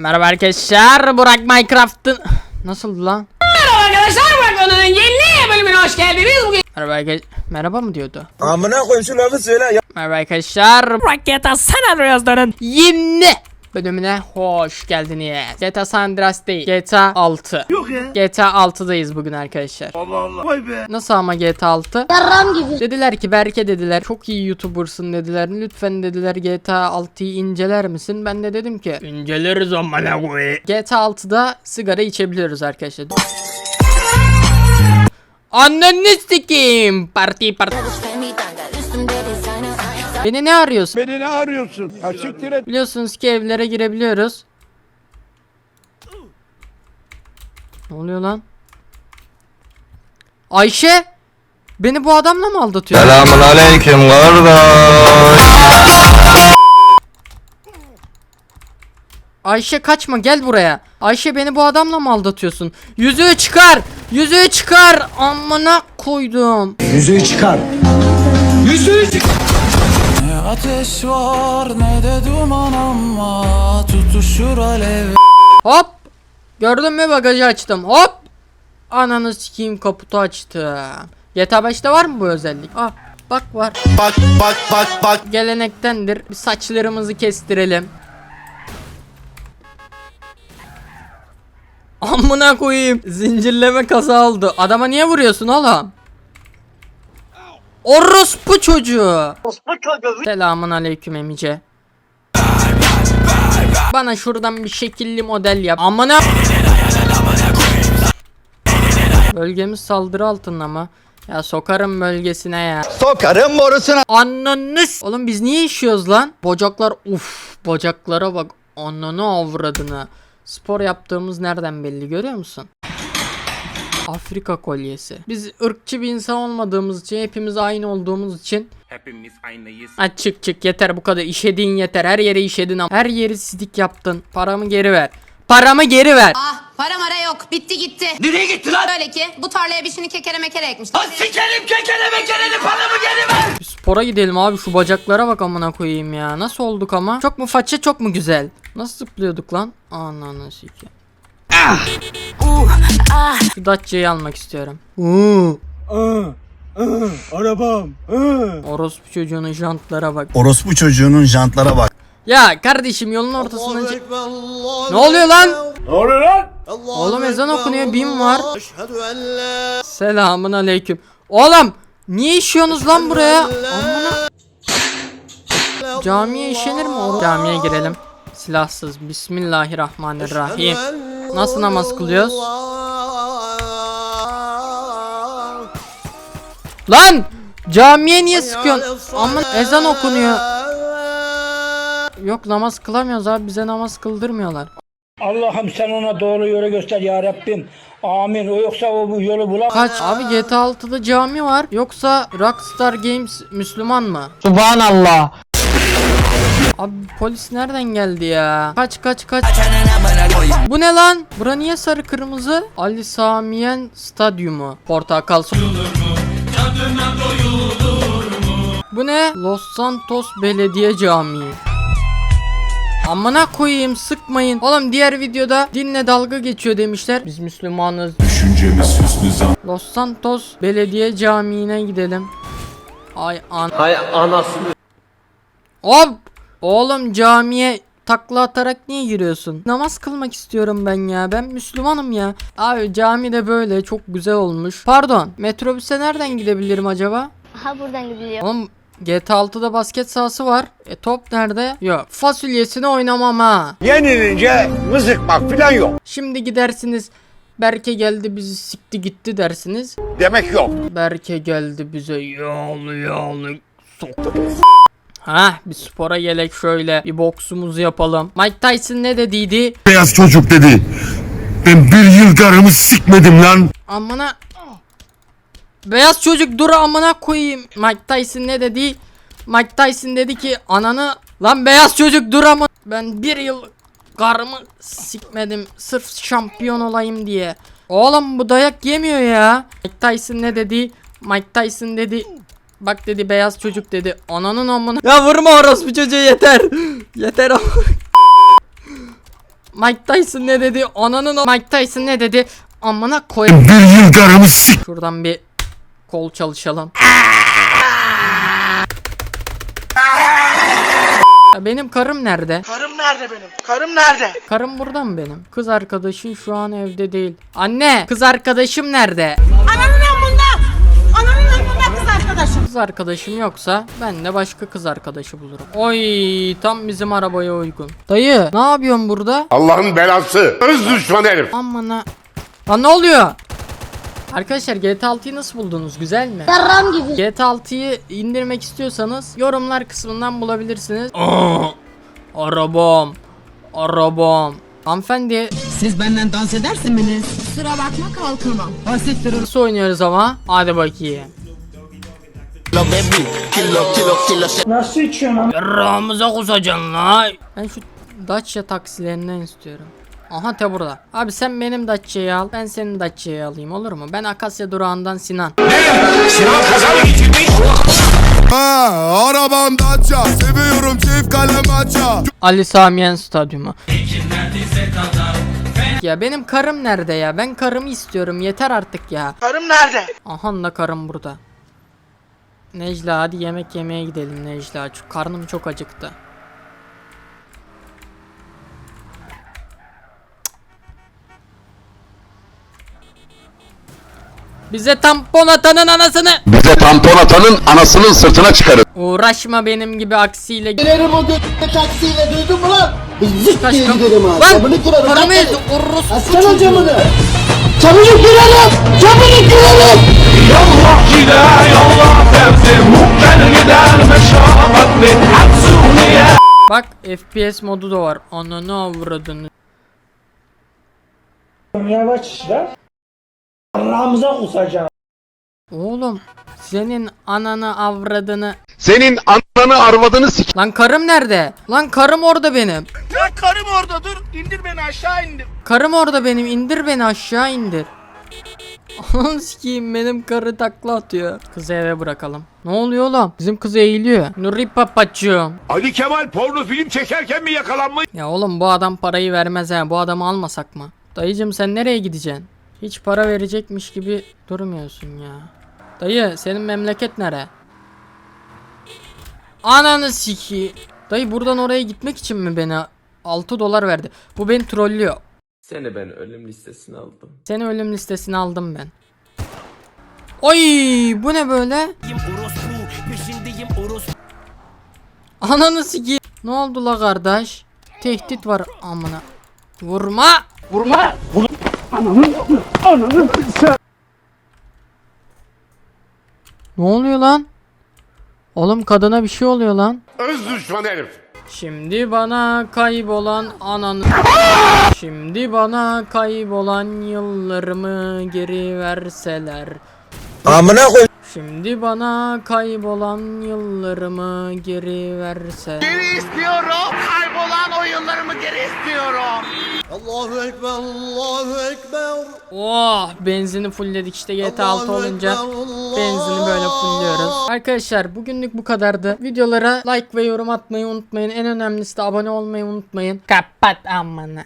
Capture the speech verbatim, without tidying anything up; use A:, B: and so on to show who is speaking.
A: Merhaba arkadaşlar, Burak Minecraft'ın... Nasıl lan?
B: Merhaba arkadaşlar, Burak Onur'un yeni bölümüne hoş geldiniz. Bugün...
A: Merhaba arkadaşlar... Merhaba mı diyordu?
C: Amına koyayım şu lafı söyle ya.
A: Merhaba arkadaşlar,
B: Burak G T A San Andreas'ların
A: yeni bölümüne hoş geldiniz. G T A San Andreas değil, G T A altı.
C: Yok ya.
A: G T A altıdayız bugün arkadaşlar.
C: Allah Allah. Vay be.
A: Nasıl ama G T A altı?
D: Yarram gibi.
A: Dediler ki Berke dediler, çok iyi YouTuber'sın dediler. Lütfen dediler G T A altıyı inceler misin? Ben de dedim ki inceleriz amına koyayım. G T A altıda sigara içebiliyoruz arkadaşlar. Anneni sikeyim. Parti parti. Beni ne arıyorsun?
C: Beni ne arıyorsun? Ha siktir et.
A: Biliyorsunuz ki evlere girebiliyoruz. Ne oluyor lan? Ayşe! Beni bu adamla mı aldatıyor?
E: Selamun aleyküm kardeş.
A: Ayşe kaçma, gel buraya. Ayşe, beni bu adamla mı aldatıyorsun? Yüzüğü çıkar! Yüzüğü çıkar! Amına koydum.
F: Yüzüğü çıkar. Yüzüğü çıkar.
G: Ne ateş var ne de duman ama tutuşur alev.
A: Hop! Gördün mü, bagajı açtım. Hop! Ananı sikeyim, kaputu açtım. G T A beşte var mı bu özellik? Ah, bak var.
E: Bak bak bak bak.
A: Gelenektendir. Bir saçlarımızı kestirelim. Amına koyayım. Zincirleme kaza oldu. Adama niye vuruyorsun oğlum? Orospu çocuğu. Selamun aleyküm emice. Bana şuradan bir şekilli model yap. Amına. Bölgemiz saldırı altında mı? Ya sokarım bölgesine ya.
E: Sokarım borusuna.
A: Ananı s- Oğlum biz niye işiyoruz lan? Bacaklar, uf, bacaklara bak. Ananı avradını. Spor yaptığımız nereden belli, görüyor musun? Afrika kolyesi. Biz ırkçı bir insan olmadığımız için, hepimiz aynı olduğumuz için.
H: Hepimiz aynıyız.
A: Ha, çık çık yeter bu kadar, işediğin yeter, her yere işedin ama. Her yeri sidik yaptın. Paramı geri ver. Paramı geri ver.
I: Ah, para mara yok. Bitti gitti.
C: Nereye gitti lan?
I: Böyle ki bu tarlaya bir şeyini kekere mekere ekmişler.
C: Ha sikerim kekele mekeleni paramı geri ver.
A: Bir spora gidelim abi, şu bacaklara bak amına koyayım ya. Nasıl olduk ama? Çok mu faça, çok mu güzel? Nasıl zıplıyorduk lan? Ananı sikeyim. Ah!
I: ah.
A: Şu Dacia'yı almak istiyorum.
C: Arabam.
A: Orospu çocuğunun jantlara bak.
F: Orospu çocuğunun jantlara bak.
A: Ya kardeşim, yolun ortasında... Ne oluyor lan?
C: Ne oluyor lan?
A: Oğlum ezan okunuyor, bin var. Selamun aleyküm. Oğlum niye işiyorsunuz lan buraya? Amına. Camiye işenir mi oğlum? Camiye girelim. Silahsız. Bismillahirrahmanirrahim. Nasıl namaz kılıyoruz? Lan! Camiye niye sıkıyorsun? Aman, ezan okunuyor. Yok, namaz kılamıyoruz abi, bize namaz kıldırmıyorlar.
J: Allah'ım sen ona doğru yolu göster ya Rabbim. Amin. O yoksa o bu yolu bulamaz.
A: Kaç? Abi G T A altıda cami var. Yoksa Rockstar Games Müslüman mı?
J: Subhanallah.
A: Abi polis nereden geldi ya? Kaç kaç kaç. Bu ne lan? Bura niye sarı kırmızı? Ali Samiyen Stadyumu. Portakal su. Bu ne? Los Santos Belediye Camii. Amına koyayım, sıkmayın. Oğlum diğer videoda dinle dalga geçiyor demişler. Biz Müslümanız.
E: Düşüncemiz hüsnü zan.
A: Los Santos Belediye Camii'ne gidelim. Ay an.
H: Hay anasını.
A: Hop! Oğlum camiye takla atarak niye giriyorsun? Namaz kılmak istiyorum ben ya. Ben Müslümanım ya. Abi cami de böyle çok güzel olmuş. Pardon, metrobüse nereden gidebilirim acaba?
D: Ha buradan gidiyor.
A: Oğlum G T A altıda basket sahası var. E top nerede? Yok. Fasulyesini oynamam ha.
C: Yenilince mızıkmak falan yok.
A: Şimdi gidersiniz. Berke geldi bizi sikti gitti dersiniz.
C: Demek yok.
A: Berke geldi bize yağlı yağlı soktu. Ha, bir spora gelek şöyle, bir boksumuzu yapalım. Mike Tyson ne dediydi?
E: Beyaz çocuk dedi. Ben bir yıl karımı sikmedim lan.
A: Amına. Beyaz çocuk dur amına koyayım. Mike Tyson ne dedi? Mike Tyson dedi ki ananı. Lan beyaz çocuk dur ama. Ben bir yıl karımı sikmedim sırf şampiyon olayım diye. Oğlum bu dayak yemiyor ya. Mike Tyson ne dedi? Mike Tyson dedi. Bak dedi, beyaz çocuk dedi. Ananın amına. Ya vurma orospu çocuğu, yeter. Yeter ama. Mike Tyson ne dedi? Ananın o- Mike Tyson ne dedi? Amına koyayım.
E: Bir yıl karımı sik.
A: Şuradan bir kol çalışalım. Ya benim karım nerede?
D: Karım nerede benim? Karım nerede?
A: Karım burada mı benim? Kız arkadaşın şu an evde değil. Anne, kız arkadaşım nerede?
D: Ananın amında! Ananın amında kız arkadaşım.
A: Kız arkadaşım yoksa ben de başka kız arkadaşı bulurum. Oy, tam bizim arabaya uygun. Dayı, ne yapıyorsun burada?
C: Allah'ın belası. Öz düşman herif.
A: Amına. Lan ne oluyor? Arkadaşlar G T A altıyı nasıl buldunuz? Güzel mi? G T A altıyı indirmek istiyorsanız yorumlar kısmından bulabilirsiniz. Aa, arabam. Arabam. Hanımefendi
D: Siz benden dans edersiniz. Kusura bakma kalkamam. Hasittir.
A: nasıl oynuyoruz ama? Hadi bakayım.
J: Nasıl içiyorsun lan?
A: Ramıza kusacaksın la. Ben şu Dacia taksilerinden istiyorum. Aha te burada. Abi sen benim Dacia'yı al. Ben senin Dacia'yı alayım, olur mu? Ben Akasya durağından Sinan.
C: Sinan kaza mı geçirmiş?
E: Ha, arabam Dacia. Seviyorum çift kalem aça.
A: Ali Samiyen Stadyumu. Ya benim karım nerede ya? Ben karımı istiyorum. Yeter artık ya.
D: Karım nerede?
A: Aha da karım burada. Necla hadi yemek yemeye gidelim Necla. Çünkü karnım çok acıktı. Bize tampon atanın anasını.
C: Bize tampon atanın anasının sırtına çıkarın.
A: Uğraşma benim gibi aksiyle.
D: Giderim o götüne taksiyle duydun mu lan? Zık
A: Kaç
D: diye
A: kam-
D: giderim abi.
A: Lan!
D: Camını kırarım.
A: Karımı
D: lan.
A: ezdi, orospu
D: Açsana
A: çocuğu.
D: camını. Camını kırarım. Camını kırarım.
A: Bak F P S modu da var. Ananı avradını.
J: Yavaş işler. Ramıza kusacağım.
A: Oğlum senin ananı avradını.
C: Senin ananı arvadını sik.
A: Lan karım nerede? Lan karım orada benim.
D: Ya karım orada dur. İndir beni aşağı indir.
A: Karım orada benim. İndir beni aşağı indir. Ananı sikeyim, benim karı takla atıyor. Kızı eve bırakalım. Ne oluyor oğlum? Bizim kız eğiliyor. Nuri papacığım.
C: Ali Kemal porno film çekerken mi yakalanmış?
A: Ya oğlum bu adam parayı vermez ha. Bu adamı almasak mı? Dayıcım sen nereye gideceksin? Hiç para verecekmiş gibi durmuyorsun ya. Dayı senin memleket nere? Ananı siki. Dayı buradan oraya gitmek için mi beni altı dolar verdi? Bu beni trollüyor.
H: Seni ben ölüm listesine aldım.
A: Seni ölüm listesine aldım ben. Oy bu ne böyle? Ananı siki. Ne oldu la kardeş? Tehdit var amına. Vurma.
J: Vurma.
A: Ne oluyor lan? Oğlum kadına bir şey oluyor lan.
C: Öz düşman herif.
A: Şimdi bana kaybolan ananı. Şimdi bana kaybolan yıllarımı geri verseler.
F: Amına koy.
A: Şimdi bana kaybolan yıllarımı geri verse.
D: Geri istiyorum. Kaybolan oyunlarımı geri istiyorum.
F: Allahu ekber, Allahu ekber.
A: Oh benzini fullledik işte G T A altı olunca benzini böyle fullliyoruz. Arkadaşlar bugünlük bu kadardı. Videolara like ve yorum atmayı unutmayın. En önemlisi de abone olmayı unutmayın. Kapat amına.